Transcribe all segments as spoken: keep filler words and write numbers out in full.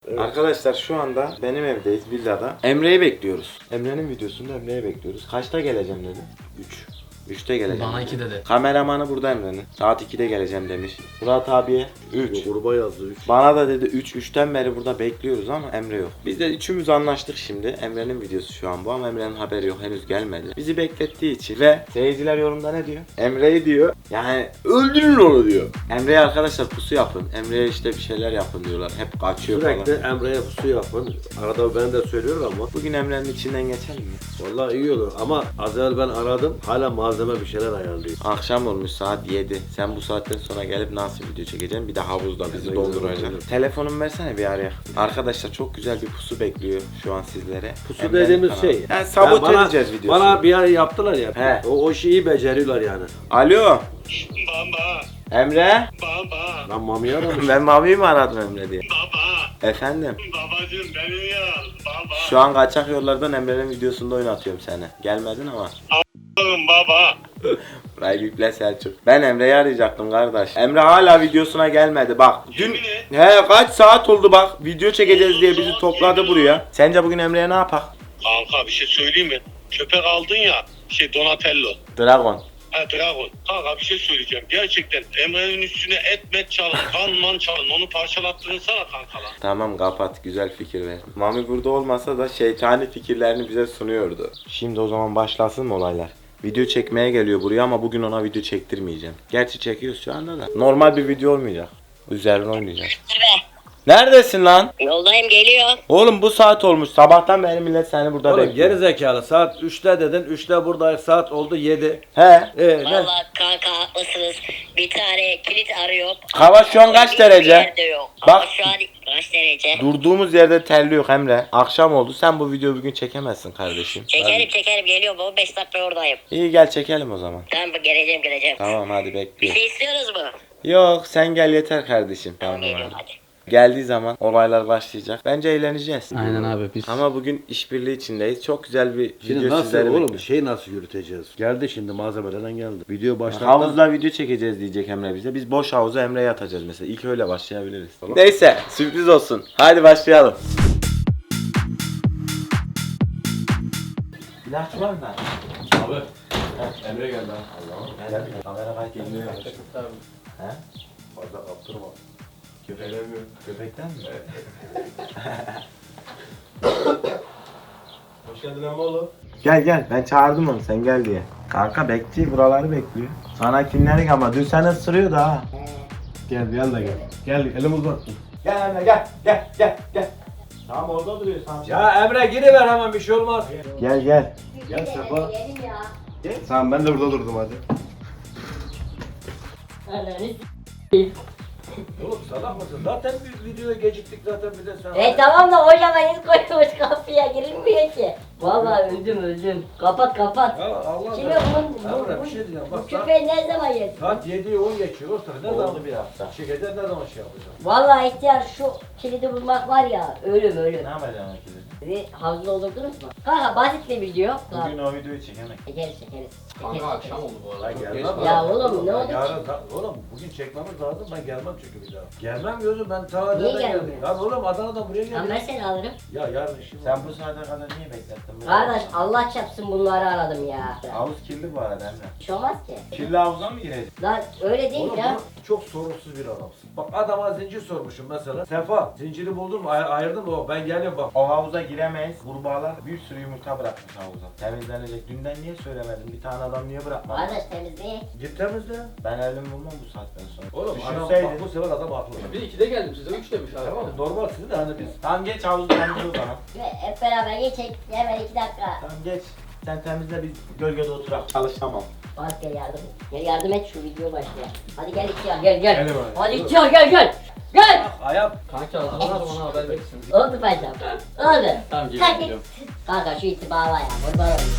Evet. Arkadaşlar şu anda benim evdeyiz, villada. Emre'yi bekliyoruz. Emre'nin videosunda Emre'yi bekliyoruz. Kaçta geleceğim dedi? üç. üçte geleceğim. Bana dedi. iki dedi. Kameramanı burada Emre'nin. Saat ikide geleceğim demiş. Murat abiye üç. Gruba yazdı üç. Bana da dedi üç. üçten beri burada bekliyoruz ama Emre yok. Biz de üçümüz anlaştık şimdi. Emre'nin videosu şu an bu ama Emre'nin haberi yok. Henüz gelmedi. Bizi beklettiği için ve seyirciler yorumda ne diyor? Emre'yi diyor. Yani öldürün onu diyor. Emre'ye arkadaşlar pusu yapın. Emre'ye işte bir şeyler yapın diyorlar. Hep kaçıyor Sürekli falan. Emre'ye pusu yapın. Arada ben de söylüyorum ama. Bugün Emre'nin içinden geçelim mi? Vallahi iyi olur ama az evvel ben aradım. Hala malzeme bir şeyler ayarlıyor. Akşam olmuş saat yedi. Sen bu saatten sonra gelip nasıl video çekeceksin? Bir de havuzda bizi Güzel, donduracak. güzel. Telefonumu versene bir araya. Arkadaşlar çok güzel bir pusu bekliyor şu an sizlere. Pusu Emre'nin dediğimiz kanalı. şey. Yani sabote Ya bana- edeceğiz videosunu. Bana bir ara yaptılar ya. He. O, o şeyi beceriyorlar yani. Alo. Baba, Emre. baba, Lan Mami'yi aramış. Ben Mavi'yi mi aradım Emre diye? baba, Efendim. babacığım beni ya, baba. Şu an kaçak yollardan Emre'nin videosunda oynatıyorum seni. Gelmedin ama. Oğlum baba. Burayı yükle Selçuk. Ben Emre'yi arayacaktım kardeş. Emre hala videosuna gelmedi bak. Dün Yemin et. he kaç saat oldu bak. Video çekeceğiz diye bizi topladı buraya. Sence bugün Emre'ye ne yapak? Kanka bir şey söyleyeyim mi? Köpek aldın ya, şey Donatello. Dragon. Ha Dragon. Kanka bir şey söyleyeceğim. Gerçekten Emre'nin üstüne et met çalın, kan man çalın. Onu parçalattırınsana kanka lan. Tamam kapat, güzel fikir ver. Mami burada olmasa da şeytani fikirlerini bize sunuyordu. Şimdi o zaman başlasın mı olaylar? Video çekmeye geliyor buraya ama bugün ona video çektirmeyeceğim. Gerçi çekiyoruz şu anda da. Normal bir video olmayacak. Üzerine oynayacağız. Neredesin lan? Yoldayım, geliyor. Oğlum bu saat olmuş. Sabahtan beri millet seni burada Oğlum bekliyor. geri zekalı saat üçte dedin. üçte buradayız. Saat oldu yedi. He. Ee, ne? Vallahi kanka haklısınız. Bir tane kilit arıyor. Hava şu an kaç Hiçbir derece? yerde yok. Bak. Ama şu an kaç derece? Durduğumuz yerde terliyor Emre. Akşam oldu. Sen bu videoyu bugün çekemezsin kardeşim. Çekerim çekerim, geliyor baba, beş dakika oradayım. İyi gel çekelim o zaman. Tamam, geleceğim geleceğim. Tamam hadi Bir bekliyorum. şey istiyoruz mu? Yok sen gel yeter kardeşim. Tamam, Tamam geliyorum abi. hadi. Geldiği zaman olaylar başlayacak. Bence eğleneceğiz. Aynen abi biz. Ama bugün işbirliği içindeyiz. Çok güzel bir Şimdi video nasıl sizlere oğlum bekliyor. şey nasıl yürüteceğiz? Geldi şimdi malzemelerden geldi. Video başlattı. Havuzda video çekeceğiz diyecek Emre bize. Biz boş havuza Emre'ye atacağız mesela. İlk öyle başlayabiliriz. Neyse sürpriz olsun. Hadi başlayalım. İlaç var mı? Abi. Emre geldi ha. Allah'ım. Kamera kaç geliyor. He? Fazla kaptırma. Köpek, köpekten mi? Hoş geldin Emmoğlu. Gel gel ben çağırdım onu sen gel diye. Kanka bekliyor buraları bekliyor. Sana kinlerik ama dün seni ısırıyordu ha. Gel gel de gel. Gel elim uzat. Gel Emre gel gel gel gel. Tamam orada duruyor tamam. Ya Emre giriver hemen bir şey olmaz. Gel gel. Gel Sefa. Gidelim ya. Tamam ben de burada durdum hadi. Oğlum salak mısın? Zaten bir videoya geciktik zaten bir de sen. E tamam da hocam hiç koymuş kapıya, girilmiyor ki. Vallahi öldüm öldüm. Kapat kapat. Ya Allah Şimdi bunun, bu, Emre bu, bir şey diyeceğim. bu Bak saat, köpeği ne zaman yedin? saat yediye on geçiyor. Ortada ne zaman Oldu bir hafta. çekeceğiz ne zaman şey yapacağız? Vallahi ihtiyar şu kilidi bulmak var ya, ölüm ölüm. Ne yapacaksın ikili? Sizi havuzda doldurdunuz mu? Kanka basit bir video. Bugün o videoyu çekemek. Çekeriz çekeriz. Kanka çekeriz. akşam oldu bu arada. Ben Çok gelmem. geç Ya kaldı. oğlum, ne oldu ki? Yarın, ta- oğlum bugün çekmemiz lazım ben gelmem çünkü bir daha. Gelmem gözüm ben ta Niye nereden geldim? gelmiyorsun? Lan oğlum Adana'dan buraya Tamam, geldim. ben seni alırım. Ya yarın işim var. Sen bu saate kadar niye beklettin? Kardeş Allah çarpsın bunları aradım ya. Havuz kirli bu arada Emre. Bir şey olmaz ki. Kirli havuza mı gireceğiz? Lan öyle değil Oğlum ya. bu çok sorunsuz bir adamsın. Bak adama zincir sormuşum mesela. Sefa zinciri buldun mu? Ay- ayırdın mı? O? Ben geliyorum bak. O havuza giremeyiz. Kurbağalar bir sürü yumurta bırakmış havuza. Temizlenecek. Dünden niye söylemedin? Bir tane adam niye bırakmadı? Kardeş temizliği. Git temizle. Ben elim bulmam bu saatten sonra. Oğlum adam Düşünseydin. bak bu sefer adam haklı. Bir ikide geldim size üç demiş abi. Tamam normal siz de hani biz. Tamam geç havuzu temizle o zaman. Ve hep beraber geçek. Hemen iki dakika. Tamam geç. Sen temizle biz gölgede oturak. Çalışamam. Bak gel yardım. Gel yardım et, şu video başlıyor. Hadi gel ihtiyar gel gel. Gel bari. Hadi ihtiyar gel gel. Gel. Ayağım. Kanki hazırlanır bana haber verirsiniz. Oldu paşam. Oldu. Tamam Kalk geliyorum git. geliyorum. Kanka şu iti bağla ya. Kurban olayım.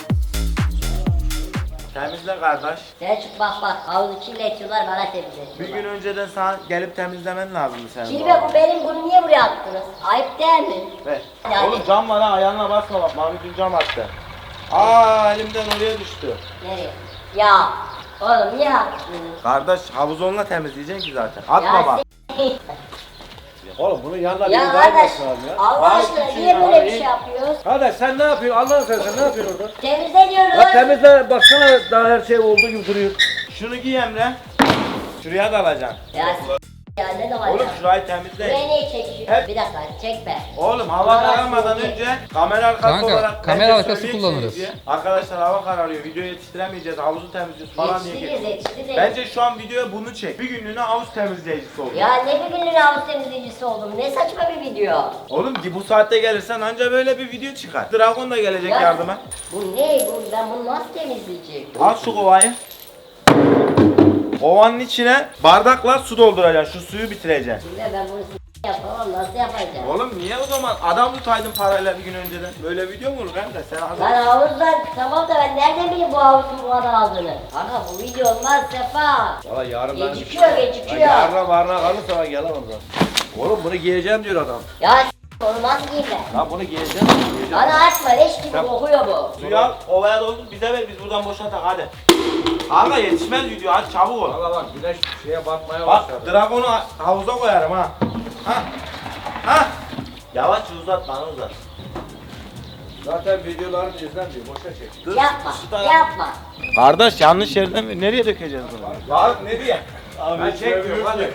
Temizle kardeş. Selçuk bak bak. Havuzu kirletiyorlar, bana Bir temizletiyorlar. gün önceden sana gelip temizlemen lazım senin. Kirve bu benim, bunu niye buraya attınız? Ayıp değil mi? Ver. Yani- Oğlum cam var ha ayağına basma bak. Mavi dün cam attı. Aa elimden oraya düştü. Nereye? Ya. Oğlum niye attınız? Kardeş havuz onunla temizleyeceksin ki zaten. Atma Ya bak. s- Oğlum bunun yanına Ya biri daha kardeş gelsin abi ya. Allah Abi, aşkına küçüğü, niye böyle abi, bir şey yapıyoruz? Kardeş sen ne yapıyorsun? Allah'ını seversen ne yapıyorsun orada? Temizle diyoruz. Ya temizle baksana daha her şey olduğu gibi duruyor. Şunu giy Emre. Şuraya da alacaksın. Ya s- ya ne de var Oğlum ya? şurayı temizle. Buraya niye çekiyorsun? Hep- Bir dakika çekme. Oğlum hava kararmadan önce kamera arkası Kanka, olarak kamera bence arkası söyleyeyim kullanırız. diye. Arkadaşlar hava kararıyor. Video yetiştiremeyeceğiz. Havuzu temizliyoruz falan diye. Yetiştiririz geliyor. yetiştiririz. Bence şu an videoya bunu çek. Bir günlüğüne havuz temizleyicisi ol. Ya ne bir günlüğüne havuz temizleyicisi oldum. Ne saçma bir video. Oğlum ki bu saatte gelirsen anca böyle bir video çıkar. Dragon da gelecek Ya, yardıma. Bu ne? Bu, ben bunu nasıl temizleyeceğim? Al şu kovayı. Kovanın içine bardakla su dolduracaksın. Şu suyu bitireceksin. Şimdi ben bunu s- yapamam. Nasıl yapacağım? Oğlum niye o zaman adam tutaydın parayla bir gün önceden? Böyle video mu olur kanka? Sen adam... Lan havuzdan tamam da ben nereden bileyim bu havuzun bu kadar aldığını? Kanka bu video olmaz Sefa. Valla yarın ben... Gecikiyor gecikiyor. Ben yarına varına kalırsa ben gelemem zaten. Oğlum bunu giyeceğim diyor adam. Ya s- onu nasıl giyeyim ben? Lan bunu giyeceğim. giyeceğim. Bana atma leş gibi Tamam. kokuyor bu. Suyu al, ovaya doldur, bize ver, biz buradan boşaltak hadi. Kanka yetişmez video, hadi çabuk ol. Valla bak güneş şeye batmaya Bak, başladı. Dragon'u havuza koyarım ha. Ha. Ha. Yavaş uzat, bana uzat. Zaten videolarını izlenmiyor. Boşa çek. Dur, Yapma şu tarafa- yapma. Kardeş yanlış yerden mi? Nereye dökeceğiz bunu? Ya nereye? Ben çekmiyorum hadi.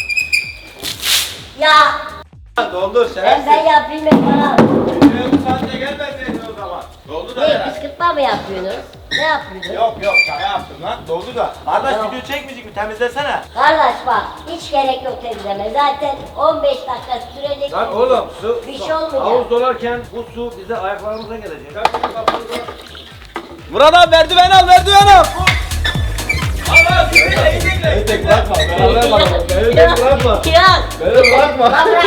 Ya Doldur ben şerefsiz. ben yapayım ben bana. Videoya bu saatte gelmeseydin o zaman. Doldu da Ne herhalde. kışkırtma mı yapıyorsunuz? Ne yapıyorsunuz? Yok yok şaka yaptım lan. Doldu da. Kardeş Yok. video çekmeyecek mi? Temizlesene. Kardeş bak hiç gerek yok temizleme. Zaten on beş dakika sürecek. Lan oğlum su, Bir su- şey olmayacak. havuz dolarken bu su bize ayaklarımıza gelecek. Murat abi merdiven al merdiven al. Tek bırakma. Beraber bak. Beni tek bırakma. Kiraz. Beni bırakma. Lan bırak.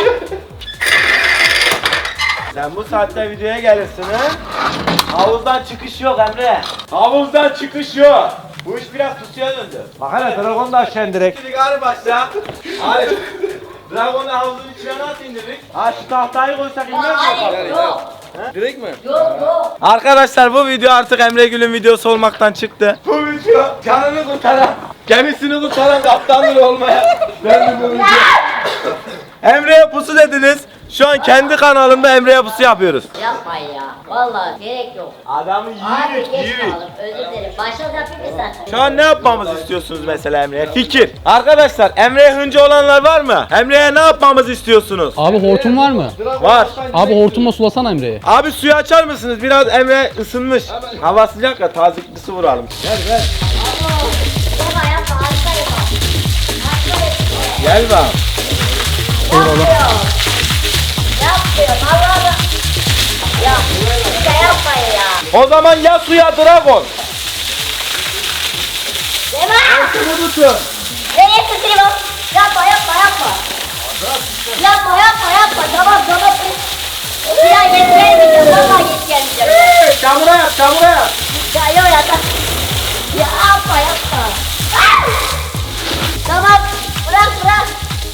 Sen bu saatte videoya gelirsin ha? Havuzdan çıkış yok Emre. Havuzdan çıkış yok. Bu iş biraz pusuya döndü. Bak hele dragon da aşağı direkt. Şimdi gari başla. Hadi. Dragon'u havuzun içine nasıl indirdik? Ha şu tahtayı koysak inmez mi? Hayır yok. Direkt mi? Yok yok. Arkadaşlar bu video artık Emre Gül'ün videosu olmaktan çıktı. Bu video canını kurtaran, gemisini kurtaran kaptandır olmaya. Ben bu video. Emre'ye pusu dediniz. Şu an kendi kanalımda Emre'ye pusu yapıyoruz. Yapmayın ya. Vallahi gerek yok. Adamı Abi yiyirik, geç yiyirik. kaldım. Özür dilerim. Başladı yapayım mı sen? Şu an ne yapmamızı istiyorsunuz mesela Emre'ye? Fikir. Arkadaşlar Emre'ye hıncı olanlar var mı? Emre'ye ne yapmamızı istiyorsunuz? Abi hortum var mı? Var. Abi hortumla sulasana Emre'yi. Abi suyu açar mısınız? Biraz Emre ısınmış. Hava sıcak ya tazeklisi vuralım. Yapma yapma. Hasta yapma. Hasta yapma. Gel bak. Yapmıyor. Yapmıyor. Allah'ım. Ya bir de yapmayın ya. O zaman ya suya Dragon. Devam. Şunu tutun. Nereye tutayım o? Yapma yapma yapma. Yapma yapma yapma. Tamam tamam. Bir daha geç gelmeyeceğim. Vallahi geç gelmeyeceğim. Hey, çamura yap, çamura yap. Ya yok ya. ta- Ya yapma yapma. Ah! Tamam. Bırak bırak.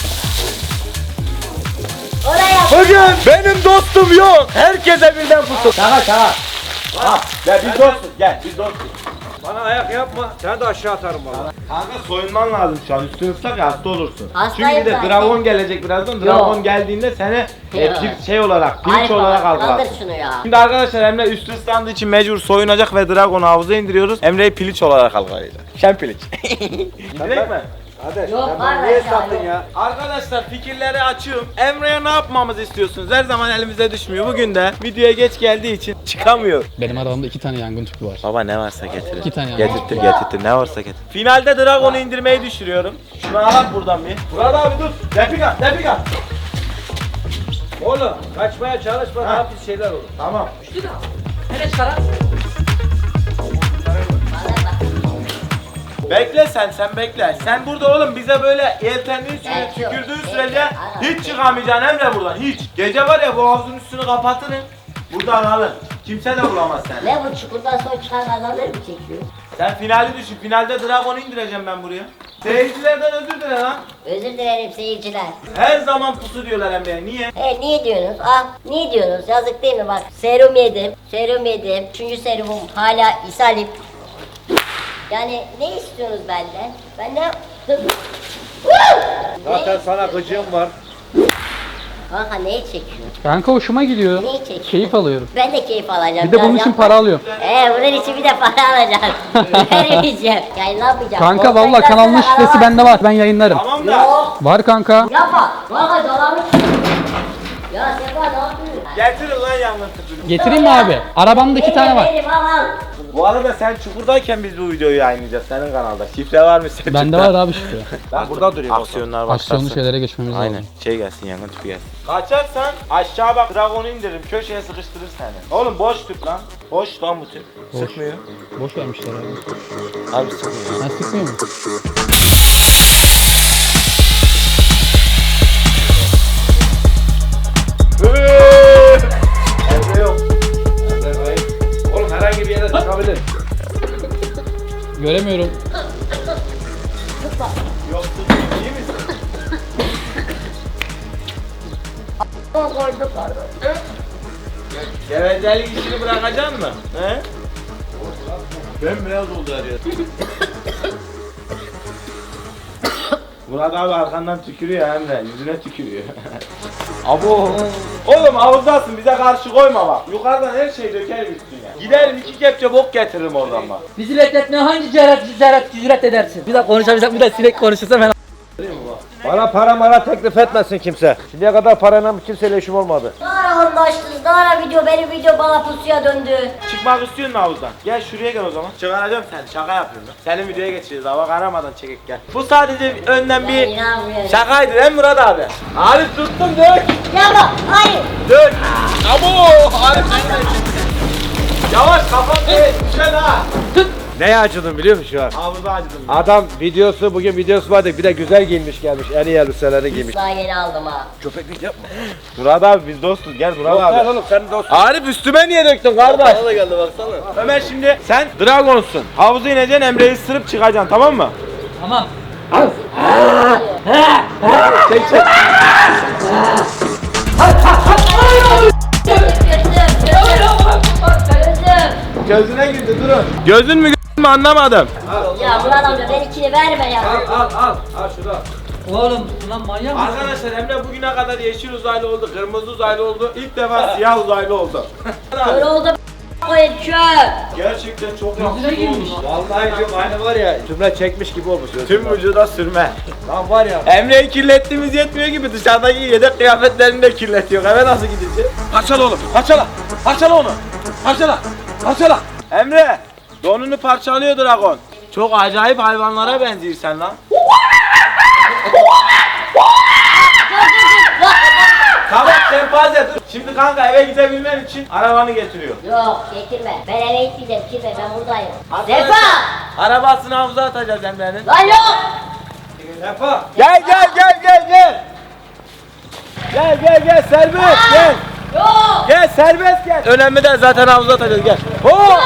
Oraya. Bugün benim dostum yok. Herkese birden pusu. Şaka şaka. Ha, gel biz dostuz. Gel biz dostuz. Bana ayak yapma. Sen de aşağı atarım valla. Kanka soyunman lazım şu an. Üstün ıslak ya hasta olursun. Hastayım Çünkü bir de zaten. Dragon gelecek birazdan. Dragon geldiğinde seni e, Yok. pil- şey olarak, pirinç Harika, olarak kaldır algılar. şunu ya. Şimdi arkadaşlar Emre üstü ıslandığı için mecbur soyunacak ve Dragon'u havuza indiriyoruz. Emre'yi piliç olarak algılayacak. Şen piliç. İndirek mi? Kardeş Yok, sen var bana niye aşağı, sattın yok. ya? Arkadaşlar fikirleri açıyorum. Emre'ye ne yapmamızı istiyorsunuz? Her zaman elimize düşmüyor. Bugün de videoya geç geldiği için çıkamıyor. Benim arabamda iki tane yangın tüpü var. Baba ne varsa getirin. İki tane yani. Getirtir getirtir ne varsa getir. Finalde Dragon'u indirmeyi düşürüyorum. Şunu alak buradan bir. Murat abi dur. Depika depika. Oğlum kaçmaya çalışma Ha. daha pis şeyler olur. Tamam. Bekle sen sen bekle. Sen burada oğlum bize böyle yeltendiğin süre, Evet, yok. tükürdüğün Evet, sürece aynen. hiç çıkamayacaksın Emre buradan hiç. Gece var ya bu havuzun üstünü kapatırım. Buradan alın. Kimse de bulamaz seni. Ne bu çukurdan son çıkan adamları mı çekiyor? Sen finali düşün. Finalde Dragon'u indireceğim ben buraya. Seyircilerden özür dile lan. Özür dilerim seyirciler. Her zaman pusu diyorlar Emre'ye. Niye? E niye diyorsunuz? Ah niye diyorsunuz? Yazık değil mi bak. Serum yedim. Serum yedim. Üçüncü serumum hala ishalim. Yani ne istiyorsunuz benden? Ben ne yaptım? Zaten sana gıcığım var. Kanka neyi çekiyorsun? Kanka hoşuma gidiyor. Neyi çekiyorsun? Keyif alıyorum. Ben de keyif alacağım. Bir de bunun Biraz için yapma. para alıyorum. Ee bunun için bir de para alacağım. Vermeyeceğim. Yayınlamayacağım. Kanka Olsaydı valla kanalın sana şifresi alamam. bende var. Ben yayınlarım. Tamam da. Yok. Var kanka. Yapma. Kanka dolanmış. Ya Sefa ne yapıyorsun? Getirin lan yangın tüpünü. Getireyim mi abi? Arabamda iki tane var. Benim al al. Bu arada sen çukurdayken biz bu videoyu yayınlayacağız senin kanalda. Şifre var mı senin? Bende var abi şifre. Ben burada durayım. Aksiyonlar başlasın. Aksiyonlu şeylere geçmemiz lazım. Aynen. Şey gelsin yangın tüpü gelsin. Kaçarsan aşağı bak dragonu indiririm. Köşeye sıkıştırır seni. Oğlum boş tüp lan. Boş lan bu tüp. Sıkmıyor. Boş vermişler abi. Abi sıkmıyor. Ha sıkmıyor mu? Evde yok. Oğlum herhangi bir yere çıkabilir. Göremiyorum. Yok tut. İyi misin? Koyduk pardon. Gevezelik işini bırakacaksın mı? He? Bembeyaz oldu her yer. Murat abi arkandan tükürüyor Emre, yüzüne tükürüyor. Abo. Oğlum havuzdasın, bize karşı koyma bak. Yukarıdan her şeyi dökerim üstüne. Giderim iki kepçe bok getiririm oradan bak. Bizi bekletmeye hangi cüret cüret cüret edersin? Bir de konuşamayacak, bir de sinek konuşursa ben Bana para mara teklif etmesin kimse. Şimdiye kadar parayla kimseyle işim olmadı. Ne ara anlaştınız? Ne ara video? Benim video bana pusuya döndü. Çıkmak istiyorsun mu havuzdan? Gel şuraya gel o zaman. Çıkaracağım seni, şaka yapıyorum. Senin videoya geçeceğiz, hava karamadan çekek gel. Bu sadece önden Ben bir inanmıyorum. şakaydı değil mi Murat abi? Arif tuttum dök. Yapma. Hayır. Dök. Abo! Arif sen de. Yavaş kafam değil, düşen ha. Neye acıdım biliyor musun şu an? Havuza acıdım. Adam videosu, bugün videosu vardı. Bir de güzel giyinmiş gelmiş. En iyi elbiseleri giymiş. Daha yeni aldım ha. Köpeklik yapma. Murat abi biz dostuz, gel Murat Yok abi. lan oğlum sen dostsun. Arif üstüme niye döktün kardeş? Bana da geldi baksana. Ömer şimdi sen Dragon'sun. Havuza ineceksin, Emre'yi ısırıp çıkacaksın, tamam mı? tamam. Çek çek. Gözüm. Gözüm. Gözüne girdi durun. Gözün mü gözün mü anlamadım. Ya Murat amca ben ikini verme ya. Al al al. Al şunu al. Oğlum lan manyak mısın? Arkadaşlar Emre bugüne kadar yeşil uzaylı oldu, kırmızı uzaylı oldu. İlk defa siyah uzaylı oldu. Kör oldu koyun çöp. Gerçekten çok Gözüne girmiş. Vallahi diyorum aynı var ya. Cümle çekmiş gibi olmuş. Tüm vücuda sürme. Lan var ya. Emre'yi kirlettiğimiz yetmiyor gibi dışarıdaki yedek kıyafetlerini de kirletiyor. Eve nasıl gideceğiz? Parçala oğlum. Parçala. Parçala onu. Parçala. Parçala. Emre, donunu parçalıyor Dragon. Çok acayip hayvanlara benziyor sen lan. Tamam şempanze dur. Şimdi kanka eve gidebilmen için arabanı getiriyor. Yok getirme. Ben eve gitmeyeceğim. Gitme ben buradayım. Arkadaşlar, Sefa. Arabasını havuza atacağız Emre'nin. Lan yok. Sefa. Gel gel gel gel gel. Gel gel gel serbest gel. Yok. Gel serbest gel. Önemli değil zaten havuza atacağız gel. Ho!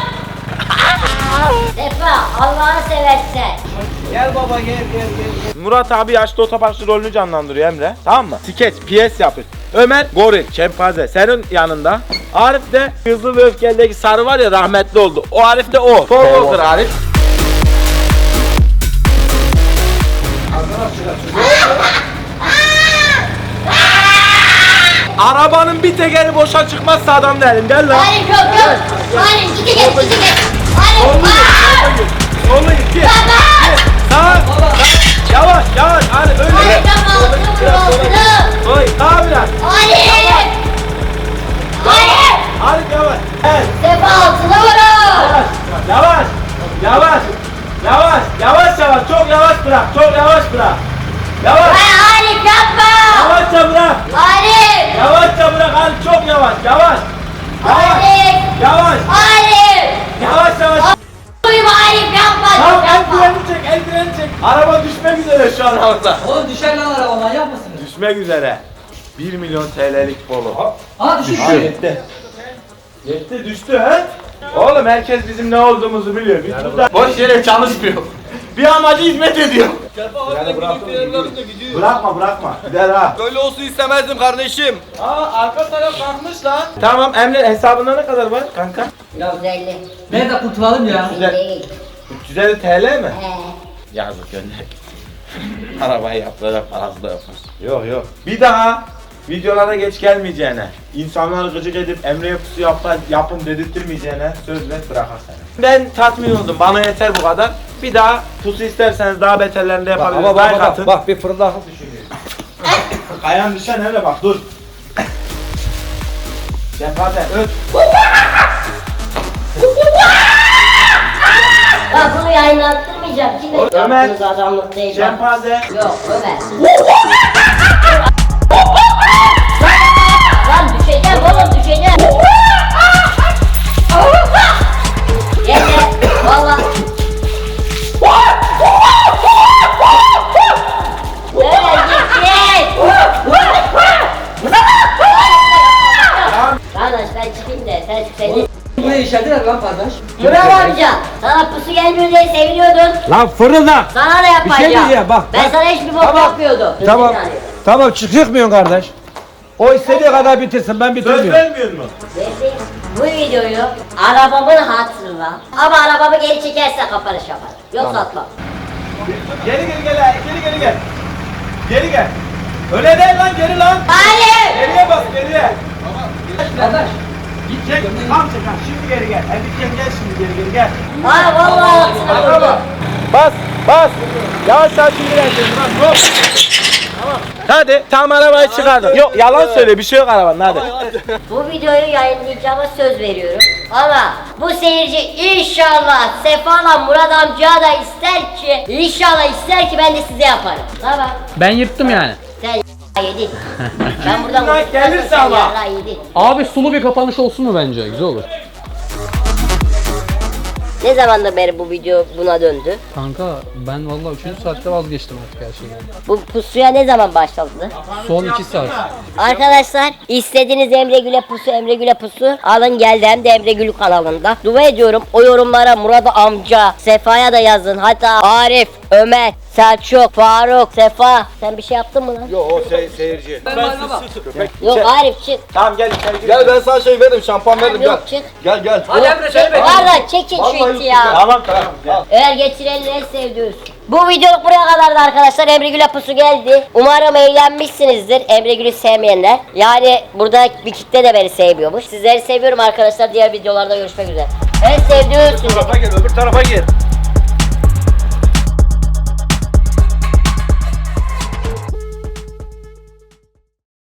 Sefa Allah'ını seversen. Gel baba gel gel gel. Murat abi yaşlı otoparkçı rolünü canlandırıyor Emre. Tamam mı? Skeç, piyes yapıyor. Ömer goril, şempanze senin yanında. Arif de Hızlı ve Öfkeli'deki sarı var ya rahmetli oldu. O Arif de o. Paul Walker Arif. Arabanın bir tekeri boşa çıkmazsa adam derim. Gel lan. Hayır yok yok. Hayır gidi git gidi git. Hayır. Sollu git. Git. Sağa. Yavaş yavaş. Arif öyle. Hayır yapma altını vur altını. Oy sağa biraz. Hayır. Hayır. Arif yavaş. Evet. Sefa altını vurun. Yavaş. Yavaş. Yavaş. Yavaş yavaş. Çok yavaş bırak. Çok yavaş bırak. Yavaş. Hayır Arif yapma. Yavaşça bırak. Arif. Yavaşça bırak Arif. Çok yavaş. Yavaş. Yavaş. Arif. Yavaş. Arif. Yavaş yavaş. Duyma Arif yapma. Tamam el Yapma. freni çek. El freni çek. Araba düşmek üzere şu an havada. Oğlum düşer lan araba, manyak mısın? Düşmek üzere. bir milyon T L'lik polo. Aa düştü. Yetti. Yetti düştü he? Oğlum herkes bizim ne olduğumuzu biliyor. Biz burada boş yere çalışmıyor. Bir amaca hizmet ediyor. Bırakma bırakma. Gider ha. Böyle olsun istemezdim kardeşim. Aa arka taraf kalkmış lan. Tamam Emre hesabında ne kadar var kanka? yüz elli. Nerede kurtulalım ya? Güzel. Değil. üç yüz elli T L mi? He. Yazık gönder. Arabayı yaptıracak parası da yokmuş. Yok yok. Bir daha videolara geç gelmeyeceğine, insanları gıcık edip Emre'ye pusu yap, yapın dedirtmeyeceğine söz ver, bırakar seni. Ben tatmin oldum. Bana yeter bu kadar. Bir daha pusu isterseniz daha beterlerini de Bak, yapabiliriz. ama bak, Like bak, atın. bak bir fırıldak düşünüyor. Ayağın düşen hele bak dur. Şefaate öt. Bak bunu yayınlattırmayacağım. Kime Ömer. yaptığınız adamlık değil. bak. Şefaate. Yok Ömer. Lan düşeceğim oğlum düşeceğim. Yeter. Valla. Öyle gitsin. Kardeş ben çıkayım da sen seni. Bu ne işlediler lan kardeş? Bravo amca. Sana pusu gelmiyor diye seviniyordun. Lan fırıldak. Sana da yapacağım. Bir şey diyeceğim, bak, Ben bak. sana hiçbir bok Tamam. yapmıyordum. Tamam. Yani. Tamam çıkmıyorsun kardeş. O istediği kadar bitirsin ben Söz bitirmiyorum. vermiyor mu? Neyse, bu videoyu arabamın hatırına ama arabamı geri çekerse kapanış yapar. Yoksa atmam. Geri geri gel, geri geri gel. Geri gel. Öyle değil lan, geri lan. Hayır! Geriye bak, geriye. Kardeş. Git çek, tam çek ha. Şimdi geri gel. Hadi gel, gel şimdi geri geri gel. Ha vallahi haksına vurdum. Bas, bas. Yavaş yavaş indireceksin. Bas, hop. Tamam. Hadi, tam arabayı çıkardım. Yok, yalan söyle, bir şey yok arabanın, hadi. Bu videoyu yayınlayacağıma söz veriyorum. Ama bu seyirci inşallah Sefa'la Murat amca da ister ki, inşallah ister ki ben de size yaparım. Tamam. Ben yırttım yani. Sen yedin. Ben buradan Bunlar konuşmazsam gelirse sen ama. yarrağı yedin. Abi sulu bir kapanış olsun mu bence? Güzel olur. Ne zamandır beri bu video buna döndü? Kanka ben vallahi üçüncü saatte vazgeçtim artık her şeyden. Bu pusuya ne zaman başladı? Son iki saat. Arkadaşlar istediğiniz Emre Gül'e pusu Emre Gül'e pusu alın geldi hem de Emre Gül kanalında. Dua ediyorum o yorumlara Murat amca, Sefa'ya da yazın. Hatta Arif, Ömer, Selçuk, Faruk, Sefa. Sen bir şey yaptın mı lan? Yok, o se seyirci. Ben bana bak. Yok Arif çık. Tamam gel içeri gir. Gel ben sana şey veririm, şampuan veririm gel. Yok çık. Gel gel. Hadi Emre seni bekle. Valla çekin şu iti ya. Tamam tamam gel. Eğer getirenleri en sevdiğiniz. Bu videoluk buraya kadardı arkadaşlar. Emre Gül'e pusu geldi. Umarım eğlenmişsinizdir. Emre Gül'ü sevmeyenler. Yani burada bir kitle de beni sevmiyormuş. Sizleri seviyorum arkadaşlar. Diğer videolarda görüşmek üzere. En sevdiğim Öbür tarafa gir öbür tarafa gir.